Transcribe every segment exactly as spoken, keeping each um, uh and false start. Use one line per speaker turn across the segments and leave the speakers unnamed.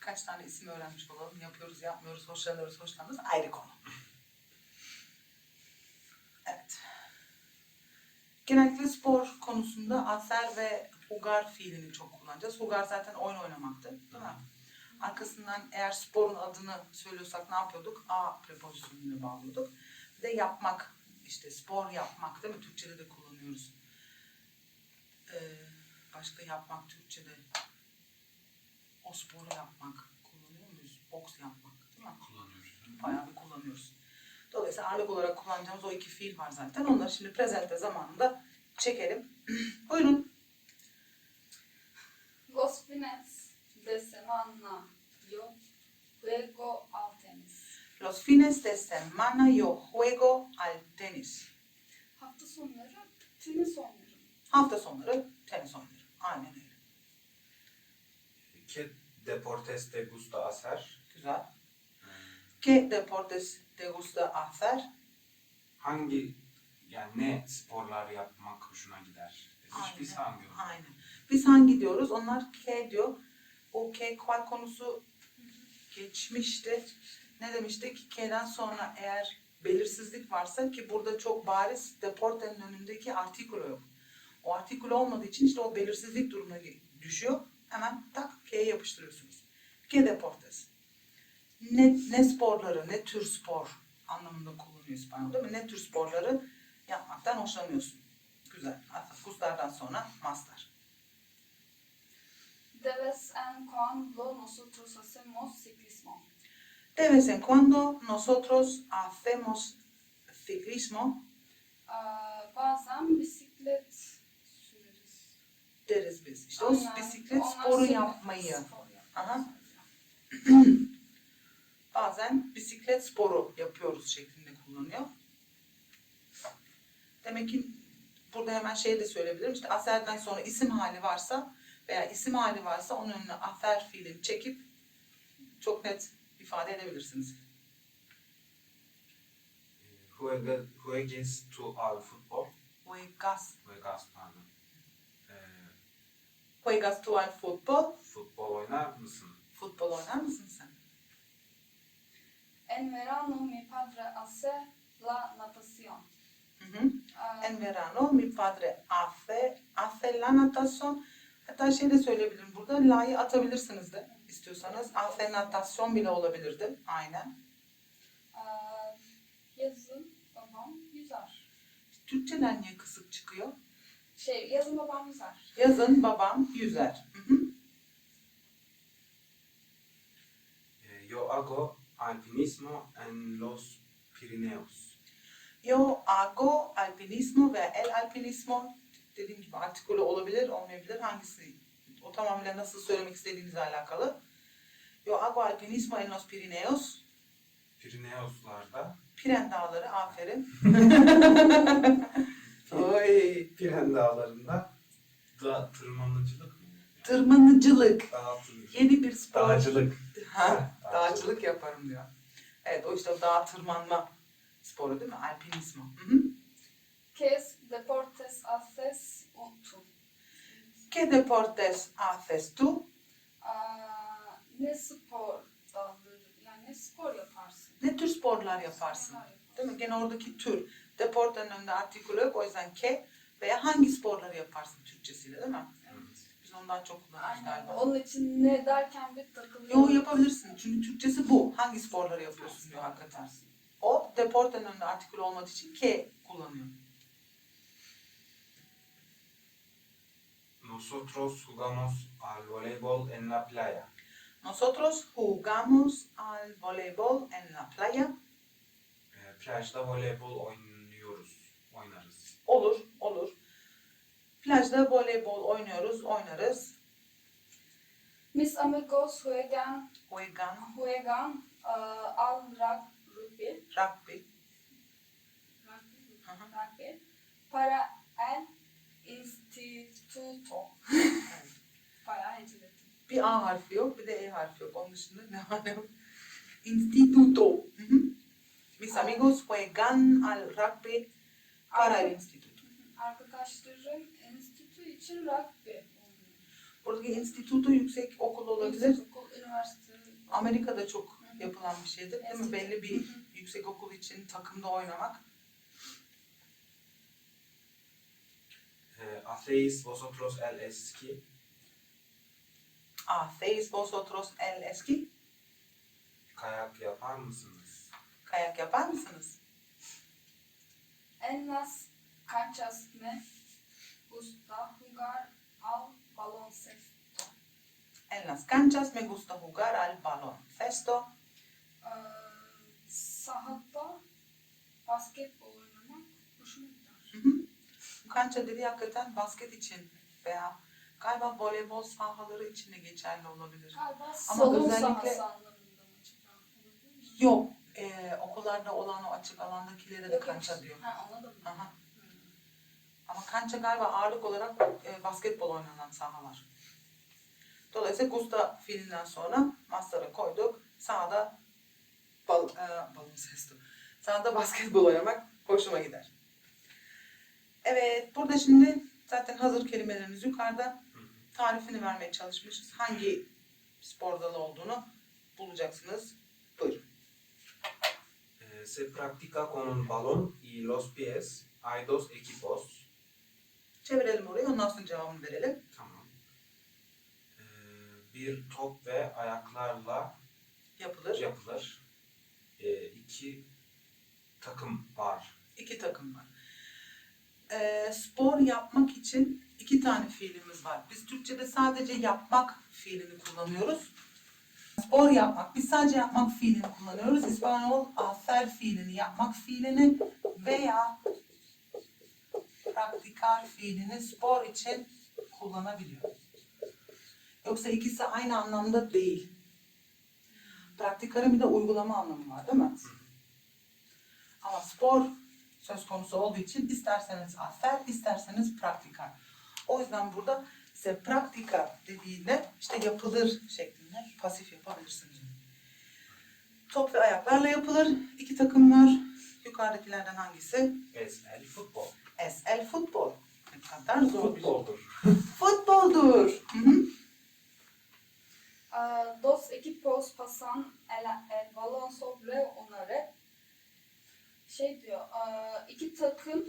birkaç tane isim öğrenmiş olalım. Yapıyoruz, yapmıyoruz, hoşlanıyoruz, hoşlanmıyoruz. Ayrı konu. Evet. Genellikle spor konusunda aser ve hugar fiilini çok kullanacağız. Hugar zaten oyun oynamaktı, değil mi? Arkasından eğer sporun adını söylüyorsak ne yapıyorduk? A prepozisyonuna bağlıyorduk. Bir de yapmak, işte spor yapmak, değil mi? Türkçe'de de kullanıyoruz. Ee, başka yapmak Türkçe'de. O sporu yapmak kullanıyor muyuz? Boks yapmak, değil mi?
Kullanıyoruz.
Bayağı bir kullanıyoruz. Dolayısıyla ağırlık olarak kullanacağımız o iki fiil var zaten. Onları şimdi presente zamanında çekelim. Buyurun.
Los fines de semana yo juego al tenis.
Los fines de semana yo juego al tenis.
Hafta sonları tenis oynarım.
Hafta sonları tenis oynarım. Aynen öyle.
¿Qué deportes te gusta hacer?
Güzel. ¿Qué deportes te gusta hacer?
Hangi, yani ne sporlar yapmak hoşuna gider? Hiç biz hangi?
Aynen. Biz hangi diyoruz? Onlar K diyor. O K kual konusu geçmişti. Ne demiştik? K'den sonra eğer belirsizlik varsa ki burada çok bariz deportenin önündeki artikulo yok. O artikulo olmadığı için işte o belirsizlik durumuna düşüyor. Hemen tak K'ye yapıştırıyorsunuz. K deportes. Ne, ne sporları, ne tür spor anlamında kullanıyor İspanyol değil mi? Ne tür sporları yapmaktan hoşlanıyorsun. Güzel. Gustar'dan sonra master.
De vez en cuando nosotros hacemos ciclismo.
De vez en cuando nosotros hacemos ciclismo.
Aa, bazen bisiklet süreriz.
Deriz biz. İşte o
Aynen.
bisiklet
Onlar
sporu
sürüyor.
yapmayı.
Spor yapmayı.
Aha. Bazen bisiklet sporu yapıyoruz şeklinde kullanıyor. Demek ki burada hemen şey de söyleyebilirim. İşte aserden sonra isim hali varsa veya isim hali varsa onun önüne afer fiilini çekip çok net ifade edebilirsiniz.
Juega, juegues tu al fútbol?
Juegas,
Juegas pardon. Ee,
juegas tú al fútbol?
futbol oynar mısın?
Futbol oynar mısın sen?
En verano mi padre hace la natación.
Hı hı.
Aa,
En verano mi padre hace, hace la natación. Hatta şey de söyleyebilirim burada. La'yı atabilirsiniz de istiyorsanız. Hace natación bile olabilirdi. Aynen.
aa, yazın babam yüzer.
Türkçeden niye kısık çıkıyor?
Şey, yazın babam yüzer.
Yazın babam yüzer. Hı hı.
Ee, yo hago alpinismo en los Pirineos.
Yo hago alpinismo ve el alpinismo dediğim gibi artikülü olabilir, olmayabilir. Hangisi? O tamamıyla nasıl söylemek istediğinizle alakalı. Yo hago alpinismo en los Pirineos.
Pirineoslarda.
Piren Dağları, aferin. Oy.
Piren Dağları'nda da tırmanıcılık mı?
Tırmanıcılık.
Dağ tır-
Yeni bir spor.
Dağcılık.
Ha,
Dağcılık.
dağcılık yaparım diyor. Evet, o işte dağ tırmanma sporu değil mi? Alpinismo. Hı hı.
¿Qué deportes haces tú?
¿Qué deportes haces tú?
Aa, ne spor dalları, yani ne spor yaparsın?
Ne tür sporlar yaparsın?
Sporlar yaparsın.
Değil mi? Gene oradaki tür. Deportanın önünde artikülü yok. O yüzden ke veya hangi sporları yaparsın Türkçesiyle değil mi?
Evet.
Biz ondan çok kullanıyoruz
Aynen.
galiba.
Onun için ne derken bir takılıyor.
Yo yapabilirsin. Çünkü Türkçesi bu. Hangi sporları yapıyorsun diyor hakikaten. O deportanın önünde artikülü olmadığı için ke kullanıyor.
Nosotros jugamos al voleibol en la playa.
Nosotros jugamos al voleibol en la playa.
Ee, plajda voleybol oynuyoruz. Oynarız.
Olur, olur. Plajda voleybol oynuyoruz, oynarız.
Mis amigos juegan,
Juegan,
juegan aa, al rug- rugby.
rugby.
Rugby.
Hı hı.
Rugby. Para el instituto. Bayağı heceledim.
Bir A harfi yok, bir de E harfi yok. Onun dışında ne var ne yok? Instituto. Hı hı. Mis amigos juegan al rugby para el instituto.
Arkadaşlarım enstitü için rugby oynuyor.
Buradaki instituto yüksek okul olabilir.
Okul, üniversite.
Amerika'da çok yapılan bir şeydir değil mi?
Eskiden.
Belli bir
Hı hı.
yüksek okul için takımda oynamak.
Eh, ¿Hacéis vosotros el esquí?
¿Hacéis vosotros el esquí?
Kayak yapar mısınız?
Kayak yapar mısınız?
En las canchas me gusta jugar al baloncesto.
En las canchas me gusta jugar al baloncesto.
Ee, sahada basketbol oynamak hoşuma gider.
Hı hı. Bu kança dediği hakikaten basket için veya galiba voleybol sahaları için de geçerli olabilir.
Galiba
Ama
salon
özellikle-
sahası anlamında mı acaba? Olabilir mi?
Yok, e, okullarda olan o açık alandakilere de
Yok,
kança
yok.
diyor.
Ha, ona da mı?
Aha.
Hmm.
Ama kança galiba ağırlık olarak e, basketbol oynanan sahalar. Dolayısıyla Gusta fiilinden sonra maslara koyduk. Sahada bal, e, baloncesto. Sahada basketbol oynamak hoşuma gider. Evet, burada şimdi zaten hazır kelimelerimiz yukarıda.
Hı hı.
Tarifini vermeye çalışmışız. Hangi spor dalı olduğunu bulacaksınız. Buyurun.
Eh, se practica con un balón y los pies. Hay dos equipos.
Çevirelim orayı, ondan sonra cevabını verelim.
Tamam. Eh, bir top ve ayaklarla
Yapılır.
yapılır. Eh, iki takım var.
İki takım var. Ee, spor yapmak için iki tane fiilimiz var. Biz Türkçe'de sadece yapmak fiilini kullanıyoruz. Spor yapmak, biz sadece yapmak fiilini kullanıyoruz. İspanyol hacer fiilini, yapmak fiilini veya praktikar fiilini spor için kullanabiliyor. Yoksa ikisi aynı anlamda değil. Praktikarın bir de uygulama anlamı var değil mi? Ama spor söz konusu olduğu için isterseniz hacer, isterseniz praktikar. O yüzden burada se practica dediğinde işte yapılır şeklinde pasif yapabilirsiniz. Top ve ayaklarla yapılır. İki takım var. Yukarıdakilerden hangisi?
Es el fútbol.
Es el futbol. Ne kadar zor bir şey.
Futboldur.
Futboldur. Hı hı.
Ee, dos equipos pasan el, el balon sobre una red. Şey diyor, ee, iki takım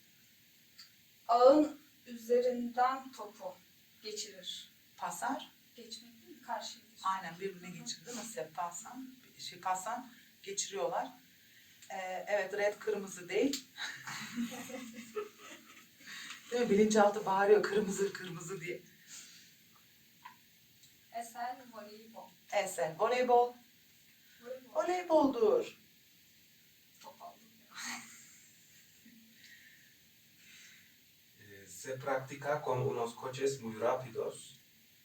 ağın üzerinden topu geçirir.
Pasar.
Geçmek değil mi? Karşıya geçmek.
Aynen birbirine geçirdi değil mi? Se pasan. Şey, pasan geçiriyorlar. Ee, evet red kırmızı değil. Değil mi? Bilinçaltı bağırıyor kırmızı kırmızı diye.
Esel voleybol.
Esel voleybol.
Voleybol.
Voleyboldur.
Top aldım ya.
Eh, se practica con unos coches muy rápidos.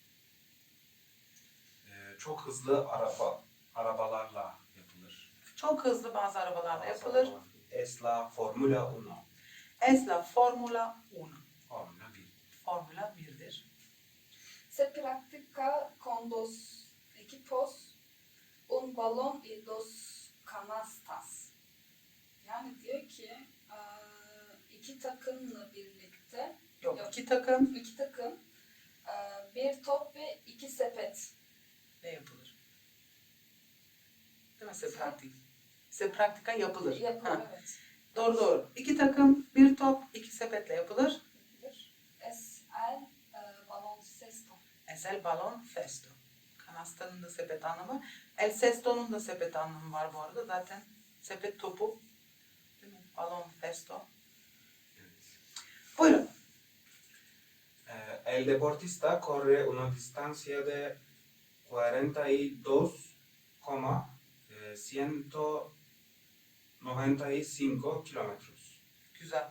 Eh, çok hızlı araba arabalarla yapılır.
Çok hızlı bazı arabalarla yapılır.
Es la Fórmula uno.
Es la Formula uno.
Formula bir.
Formula birdir.
Se practica con dos equipos, un balón y dos canastas. Yani diyor ki eee, iki takımla birlikte,
Yok,
Yok.
iki takım
iki takım, eee, bir top ve iki sepet.
ne yapılır? Değil mi? Se praktik. Se praktika yapılır.
Yapılır,
Ha,
evet.
doğru doğru. İki takım, bir top, iki sepetle yapılır.
Yapılır. Es el eee, baloncesto.
Esel balon festo. Kanastanın da sepet anlamı. El sesto'nun da sepet anlamı var bu arada. Zaten sepet topu. Değil mi? Balon festo.
Evet.
Buyurun.
Eh, el deportista corre una distancia de cuarenta y dos coma ciento noventa y cinco kilómetros.
Güzel.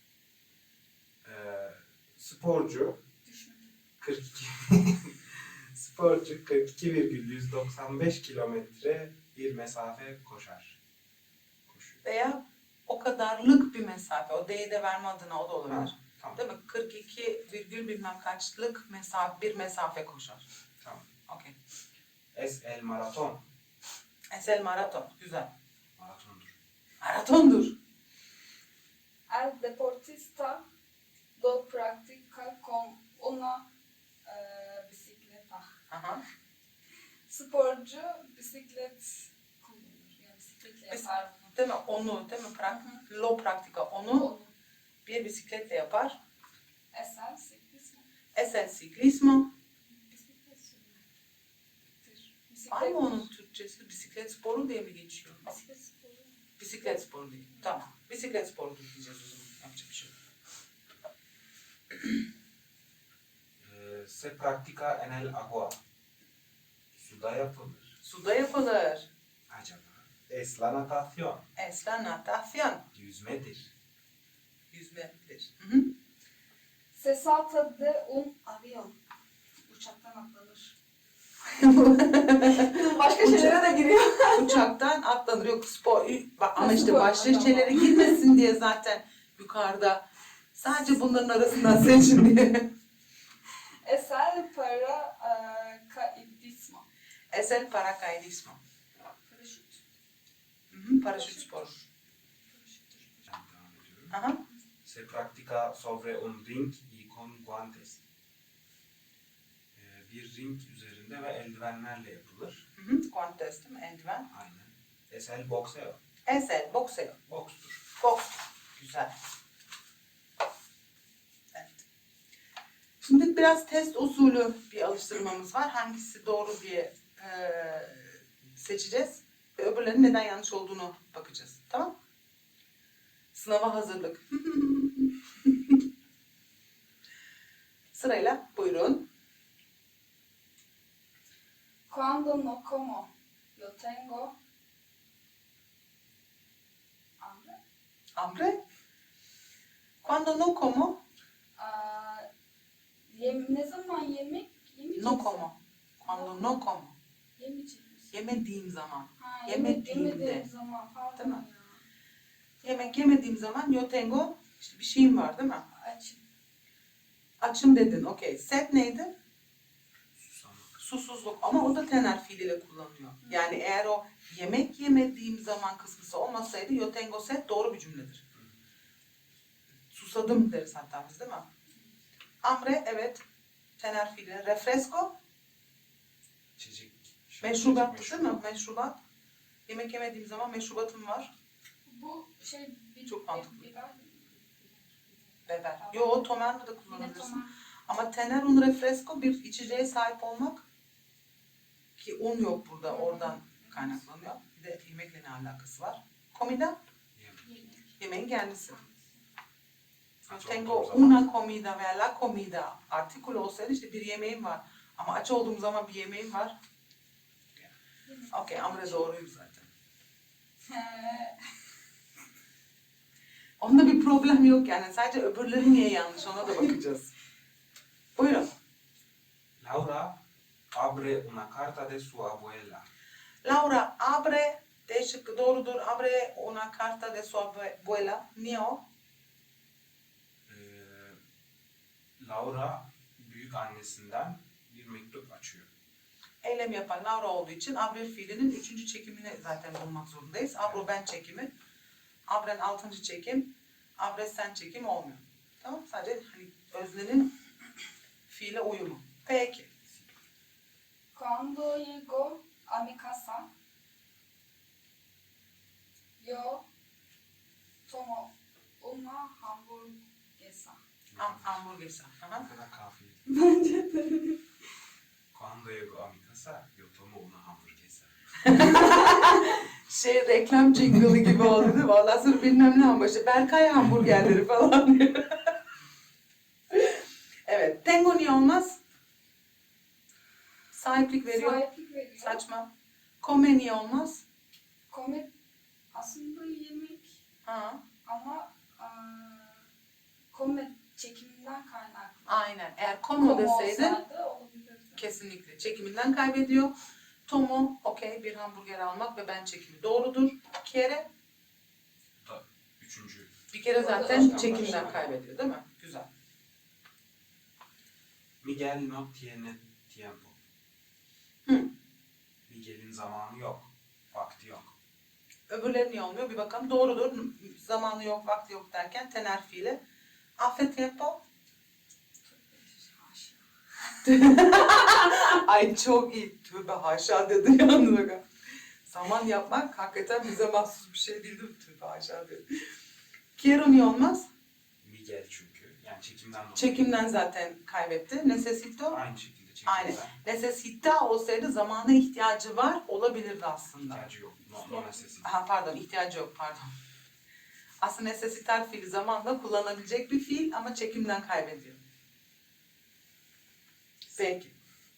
Eh, sporcu
Düşmedi.
kırk iki sporcu kırk iki virgül yüz doksan beş kilometre bir mesafe koşar. Koşuyor.
Veya o kadarlık bir mesafe. O D'yi de verme adına o da olabilir.
Ha, tamam.
Değil mi? kırk iki virgül bilmem kaçlık mesafe, bir mesafe koşar.
Tamam.
Okey.
Es el maraton.
Esel maraton. Güzel.
Maratondur.
Maratondur.
El deportista lo practica con una eee, bicicleta.
Aha.
sporcu bisiklet kullanır. Yani bisikletle
Bis-
yapar bunu.
Değil mi? Onu, değil mi? Prak
Hı
lo praktika. Onu
Onu.
bir bisikletle yapar.
Eser, siklismo.
Es el ciclismo.
Bisiklet sürmektir.
Var mı
Bisiklet-
onun Türkçesi? Bisiklet sporu diye mi geçiyor?
Bisiklet sporu.
Bisiklet sporu değil. Tamam. Bisiklet sporu diyeceğiz o zaman. Yapacak bir şey yok.
Ee, se practica en el agua. Suda yapılır.
Suda yapılır.
Acaba? Es la natación.
Es la natación.
Yüzmedir.
Yüzmedir. Hı hı.
Se salta de un avión. Uçaktan atlanır. Başka şeylere de giriyor.
Uçaktan atlanır. Yok spor. Ama
Ha,
işte
spor,
başlıçeleri
tamam.
girmesin diye zaten yukarıda. Sadece bunların arasından seçin diye.
Eser para e, caidismo.
Es el paracaidismo.
Paraşüt.
Hı hı. Paraşüt sporu.
Paraşüttür.
Ben devam ediyorum.
Aha.
Se practica sobre un ring y con guantes. Ee, bir ring üzerinde ve eldivenlerle yapılır.
Hı hı. Guantes değil mi? Eldiven.
Aynen. Es el boxeo.
Es el boxeo.
Bokstur.
Boks. Güzel. Evet. Şimdi biraz test usulü bir alıştırmamız var. Hangisi doğru diye eee, seçeceğiz. Ve öbürlerinin neden yanlış olduğunu bakacağız. Tamam? Sınava hazırlık. Sırayla buyurun.
Cuando no como, yo tengo hambre.
Hambre. Cuando no como,
Aa, yem, ne zaman yemek yemeyeceksin?
no como. Cuando no como.
Yemeyecek misin?
Yemediğim zaman.
Ha,
yemediğimde.
yemek yemediğim zaman pardon
Değil mi?
ya.
Yemek yemediğim zaman yo tengo, işte bir şeyim var değil mi?
Açım.
Açım dedin, okey. Set neydi?
Susamak.
Susuzluk ama o da tener fiiliyle kullanılıyor. Yani eğer o yemek yemediğim zaman kısmısı olmasaydı yo tengo set doğru bir cümledir. Susadım deriz hatta biz değil mi? Hambre evet tener fiili. Refresco
İçecek.
meşrubat
İçecek,
değil mi? Meşrubat. Yemek yemediğim zaman meşrubatım var.
Bu şey bir,
Çok mantıklı.
biber.
Beber. Yo tomerle de
Yine
kullanabilirsin.
tamam.
Ama tener un refresco bir içeceğe sahip olmak ki un yok burada oradan kaynaklanıyor. Bir de yemekle ne alakası var? Comida
Yemek.
yemeğin kendisi.
Ha, çok
Tengo
doğru zaman.
una comida veya la comida artikül olsaydı işte bir yemeğim var. Ama aç olduğum zaman bir yemeğim var. Okey hambre doğruyum zaten.
He.
Onda bir problem yok yani. Sadece öbürleri niye yanlış ona da bakacağız. Buyurun.
Laura abre una carta de su abuela.
Laura abre D şıkkı doğrudur. Abre una carta de su abuela. Niye o?
Ee, Laura büyük annesinden bir mektup açıyor.
Eylem yapan Laura olduğu için abre fiilinin üçüncü çekimini zaten bulmak zorundayız. Abro ben çekimi. Abren altıncı çekim. Abre sen çekim olmuyor. Tamam sadece hani öznenin fiile uyumu. Peki.
Cuando llego a mi casa, yo tomo una hamburguesa.
Ham hamburguesa. Aha.
Ne kadar kafiyeli.
Bence de.
Cuando llego a mi casa, yo tomo una hamburguesa.
Şey reklam jingle'ı gibi oldu değil mi? Ondan sonra bilmem ne ama işte Berkay hamburgerleri falan diyor. Evet. Tengo niye olmaz? Sahiplik veriyor.
Sahiplik veriyor.
Saçma. Come niye olmaz?
Komik aslında yemek
Ha.
ama eee komik çekiminden kaynaklı.
Aynen. Eğer como
Como
deseydin
olsaydı olabilirdi.
kesinlikle çekiminden kaybediyor. Tomo, okey bir hamburger almak ve ben çekimi doğrudur. Kere
Bu da üçüncü.
bir kere zaten çekimden kaybediyor değil mi? Güzel.
Miguel no tiene tiempo.
Hı.
Miguel'in zamanı yok. Vakti yok.
Öbürleri niye olmuyor? Bir bakalım. Doğrudur. Zamanı yok, vakti yok derken tener fiili. Hace tiempo. Ay çok iyi. Tövbe haşa dedi yalnız bak. Zaman yapmak hakikaten bize mahsus bir şey değil değil mi? Tövbe haşa dedi. Quiero niye olmaz?
Miguel çünkü. Yani çekimden dolayı.
Çekimden zaten kaybetti. Necesito.
Aynı şekilde çekimden.
Aynen. Necesita olsaydı zamana ihtiyacı var olabilirdi aslında.
İhtiyacı yok. No, no necessity.
Ha pardon, ihtiyacı yok pardon. Aslında necesitar fiili zamanla kullanabilecek bir fiil ama çekimden kaybediyor. Peki.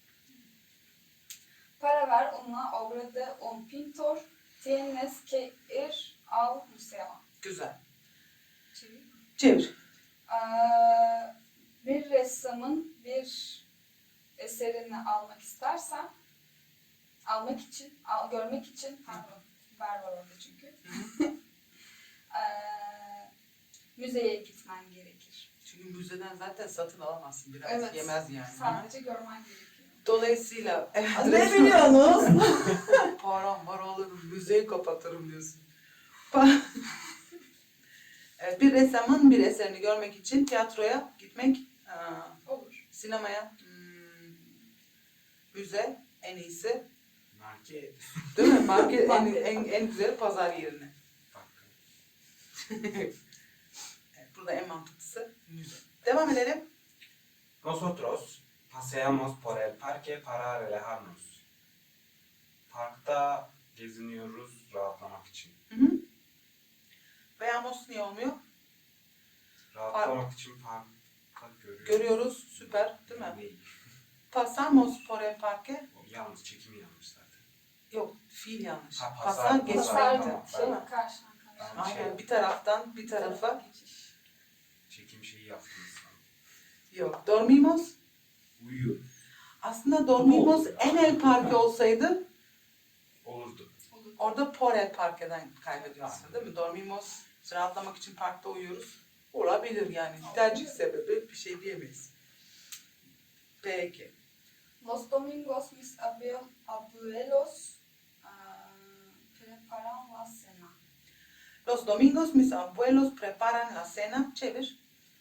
Para ver una obra de un pintor. Tienes que ir al museo.
Güzel.
Çevir.
Çevir.
Ee, bir ressamın bir eserini almak istersen, almak için, al, görmek için, pardon, ver var orada çünkü. ee, müzeye gitmen gerekir.
Çünkü müzeden zaten satın alamazsın. Biraz
Evet.
Yemez yani.
Sadece görmen gerekiyor.
Dolayısıyla
Ne biliyorsunuz?
param var alırım, müzeyi kapatırım diyorsun. Pa- Evet, bir ressamın bir eserini görmek için tiyatroya gitmek, aa,
Olur.
sinemaya, hmm, müze en iyisi.
Market.
Değil mi? Market en,
Market.
en, en güzel pazar yerine.
Bak.
Evet, burada en mantıklısı müze. Devam edelim.
Nosotros paseamos por el parque para relajarnos. Parkta geziniyoruz rahatlamak için.
Hı hı. Veamos niye olmuyor?
Rahatlamak için parkta görüyoruz.
Görüyoruz. Süper. Değil mi?
Değil.
Pasamos por el parque.
O yalnız çekimi yanlış zaten.
Yok, fiil yanlış.
Ha,
Pasar,
pasar,
geçmek.
Pasar
tamam.
şey,
Değil mi?
karşıdan karşıya.
Aynen, bir taraftan bir tarafa.
Geçiş.
Çekim şeyi yaptınız.
Yok, dormimos.
Uyuyor.
Aslında dormimos en el parque olsaydı
Olurdu.
Olur.
orada por el parque'den kaybediyorsun değil mi? Dormimos, rahatlamak için parkta uyuyoruz. Olabilir yani. Tercih sebebi bir şey diyemeyiz. Peki.
Los domingos mis abue- abuelos ah, preparan la cena.
Los domingos mis abuelos preparan la cena. Çevir.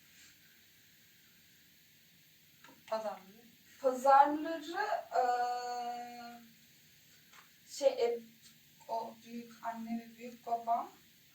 Pazarları.
Pazarları ah, şey e, o büyük anne ve büyük babam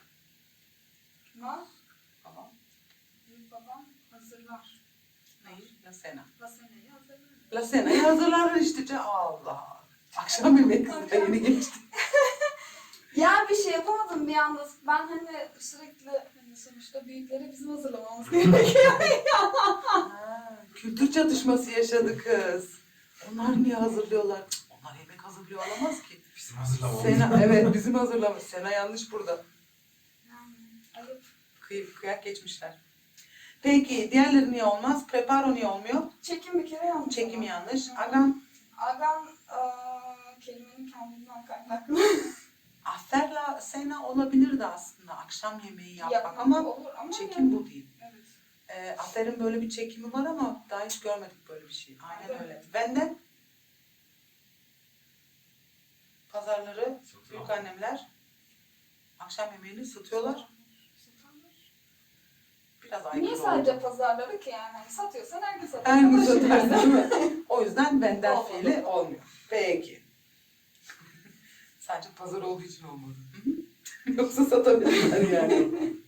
ma
Aha.
büyük babam hazırlar.
Neyi? La cena.
La cena'yı hazırlar.
La cena'yı hazırlar işte. Ce- Allah. Akşam yemeği kızı yeni geçti.
Ya bir şey yapamadım bir anda. Ben hani sürekli hani sonuçta büyükleri bizim hazırlamamız gerekiyor.
Ha, kültür çatışması yaşadı kız. Onlar niye hazırlıyorlar? Cık, onlar yemek hazırlıyor olamaz ki.
Bizim hazırlamamız.
Sena, evet bizim hazırlamış. Sena yanlış burada.
Yani ayıp.
Kıyıp kıyak geçmişler. Peki diğerleri niye olmaz? Preparo niye olmuyor?
Çekim bir kere yanlış.
Çekim
ama.
yanlış.
Hı.
Agam,
Agam eee, kelimenin kendinden kaynaklı.
aferla sena olabilirdi aslında. Akşam yemeği yapmak
Yapmak
ama
olur ama
çekim bu değil.
Evet.
E, aferin böyle bir çekimi var ama daha hiç görmedik böyle bir şey. Aynen
Evet.
öyle. Benden pazarları
Satın
büyük
al.
annemler akşam yemeğini satıyorlar. Biraz aykırı
Niye
oldu.
sadece pazarları ki yani? Hani satıyorsan herkes satıyor.
Her gün
Ulaşır
satarsın
yani.
değil mi? O yüzden benden
Olmadı.
fiili olmuyor. Peki. Sadece pazar olduğu için olmadı. Hı hı. Yoksa satabilirler yani.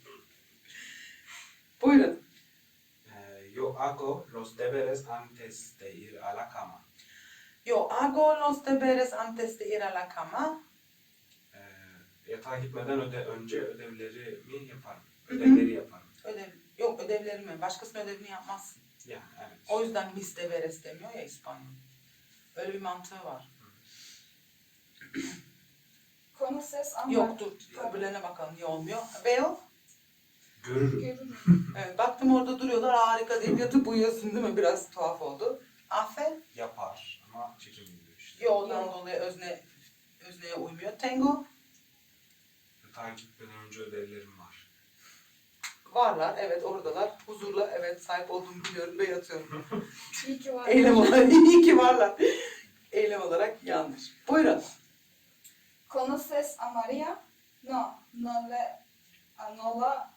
Buyurun.
Eh, yo hago los deberes antes de ir a la cama.
Yo hago los deberes antes de ir a la cama.
Eh, yatağa gitmeden öde, önce ödevlerimi yaparım.
Hı hı.
Ödevleri yaparım.
Ödev, yok ödevlerimi. Başkasının ödevini yapmazsın.
Yani evet.
O yüzden mis deberes demiyor ya İspanyol. Öyle bir mantığı var.
Konu ses ama
Yok dur. Öbürlerine bakalım niye olmuyor. Veo.
Görürüm.
görürüm.
Evet, baktım orada duruyorlar harika deyip yatıp uyuyorsun değil mi? Biraz tuhaf oldu. Afe.
Yapar ama çekim gidiyor işte.
Yoğundan dolayı özne, özneye uymuyor. Tango.
Yatağa gitmeden önce ödevlerim var.
Varlar evet oradalar. Huzurla evet sahip olduğumu biliyorum ve yatıyorum.
İyi ki var.
Eylem olarak iyi ki varlar. Eylem olarak yanlış. Buyurun.
Conoces a María? No, no le, ah, no la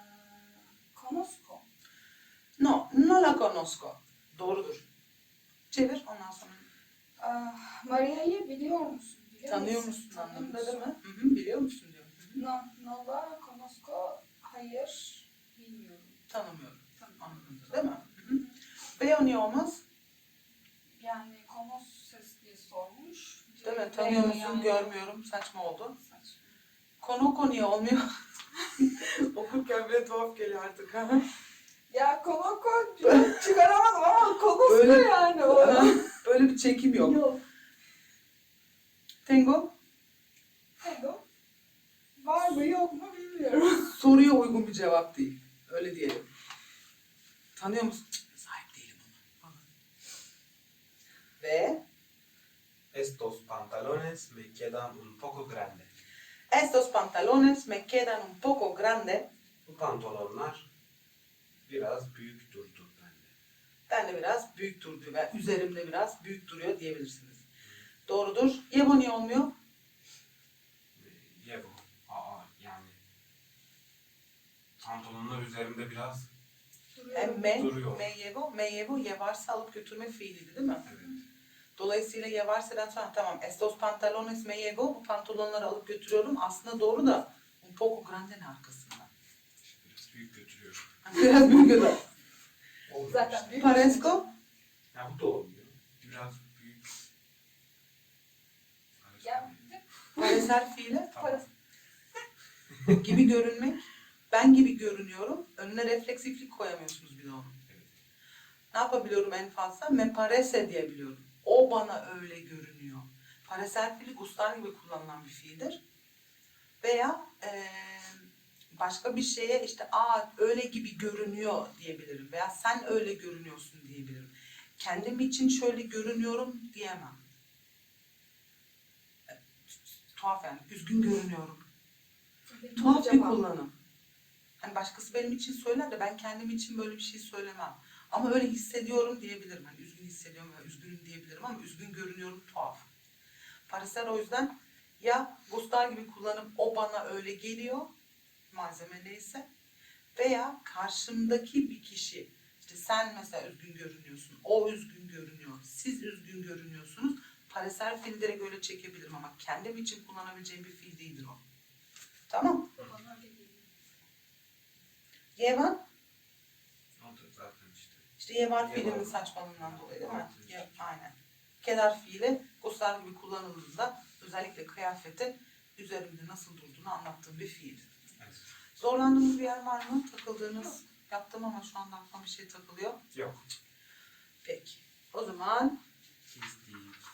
ah, conozco.
No, no la conozco. Doğrudur. Çevir ondan sonra.
Ah, Maria'yı biliyor musun? Biliyor
Tanıyor musun
Tanıyor
anlamında
musun?
değil mi? Hı hı, biliyor musun diyor. Hı hı.
No, no la conozco. Hayır, bilmiyorum.
Tanımıyorum
Tamam.
anlamında değil mi? Hı hı. Veo niye olmaz?
Yani conoces diye sormuş.
Değil mi?
Direkt
Tanıyor
veo
musun?
yani.
Görmüyorum. Saçma oldu.
Saçma.
Konoko niye olmuyor? Okurken bile tuhaf geliyor artık. Ha?
Ya konoko çıkaramadım ama konusu
Böyle-
yani o.
Böyle bir çekim yok.
Yok.
Tengo,
Hello. Var mı yok mu bilmiyorum.
soruya uygun bir cevap değil. Öyle diyelim. Tanıyor musun? Cık, sahip değilim ona. Falan. Ve
Estos pantalones me quedan un poco grande.
estos pantalones me quedan un poco grande.
Bu pantolonlar biraz büyük durdu bende.
Ben de biraz büyük durdu ve üzerimde biraz büyük duruyor diyebilirsiniz. Doğrudur. Yevo niye olmuyor?
Ye bu. Aa yani. Pantolonlar üzerimde biraz
Hem me,
Duruyor.
me yevo, me yevo yevarsa alıp götürme fiiliydi değil mi?
evet.
Dolayısıyla yevarsa'dan sonra tamam estos pantalones me llevo, bu pantolonları alıp götürüyorum. Aslında doğru da un poco grande ne arkasında?
İşte biraz büyük götürüyorum.
Biraz büyük öder.
Olmuyor
Zaten
işte.
büyük.
Parezco,
Ya bu da olmuyor. Biraz büyük.
Ya
pareser fiili
Tamam.
parası.
gibi görünmek. Ben gibi görünüyorum. Önüne refleksiflik koyamıyorsunuz bir de onu.
Evet.
Ne yapabiliyorum en fazla? Me parece diyebiliyorum. O bana öyle görünüyor. Pareser fiili gustar gibi kullanılan bir fiildir. Veya eee, başka bir şeye işte aa öyle gibi görünüyor diyebilirim. Veya sen öyle görünüyorsun diyebilirim. Kendim için şöyle görünüyorum diyemem. E, Tuhaf yani. Üzgün görünüyorum. Tuhaf bir kullanım. Hani başkası benim için söyler de ben kendim için böyle bir şey söylemem. Ama öyle hissediyorum diyebilirim. Hani üzgün hissediyorum veya üzgünüm diyebilirim ama üzgün görünüyorum tuhaf. Parisler o yüzden ya Gustar gibi kullanıp o bana öyle geliyor malzeme neyse veya karşımdaki bir kişi işte sen mesela üzgün görünüyorsun, o üzgün görünüyor, siz üzgün görünüyorsunuz. Parisler fiili direkt öyle çekebilirim ama kendim için kullanabileceğim bir fiil değildir o. Tamam.
Bana öyle geliyor.
Yevan.
O da zaten işte.
İşte yevar
Yevar.
fiilinin saçmalığından dolayı değil mi?
Artı
Ya, aynen. Kedar fiili Gustar gibi kullanıldığında özellikle kıyafetin üzerimde nasıl durduğunu anlattığım bir fiil.
Evet.
Zorlandığınız bir yer var mı? Takıldığınız? Yaptım ama şu anda aklıma bir şey takılıyor.
Yok.
Peki. O zaman
Hiç değil.